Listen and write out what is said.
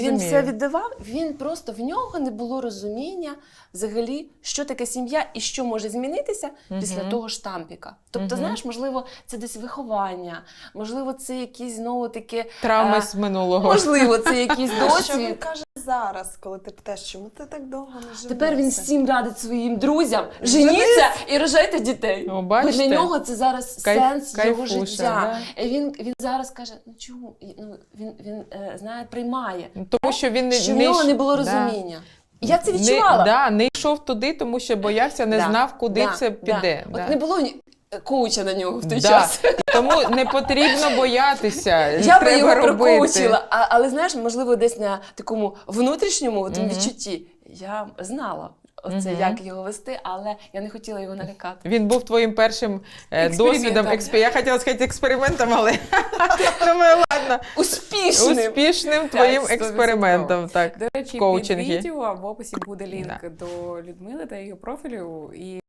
Він все віддавав, він просто, в нього не було розуміння взагалі, що таке сім'я і що може змінитися після того штампіка. Тобто, знаєш, можливо, це десь виховання, можливо, це якісь, знову таки... Травми з минулого. Можливо, це якийсь досвід. Що він каже зараз, коли ти питаєш, чому ти так довго не живеш? Тепер він всім радить своїм друзям, женіться і рожайте дітей. О, Бо для бачите? нього це зараз сенс його кайфуша, життя. да? І він зараз каже, ну чому? Ну, він знає, приймає. Тому що він Що в нього не було розуміння. Я це відчувала. Не йшов туди, тому що боявся, не знав, куди це піде. От не було коуча на нього в той час. Тому не потрібно боятися. Я би його робити. прокоучила. Але знаєш, можливо, десь на такому внутрішньому відчутті я знала оце, як його вести, але я не хотіла його налякати. Він був твоїм першим досвідом. Я хотіла сказати експериментом, але думаю, ладно. Успішним твоїм 100%. експериментом. Так, До речі, коучингі. під відео в описі буде лінк до Людмили та її профілю. І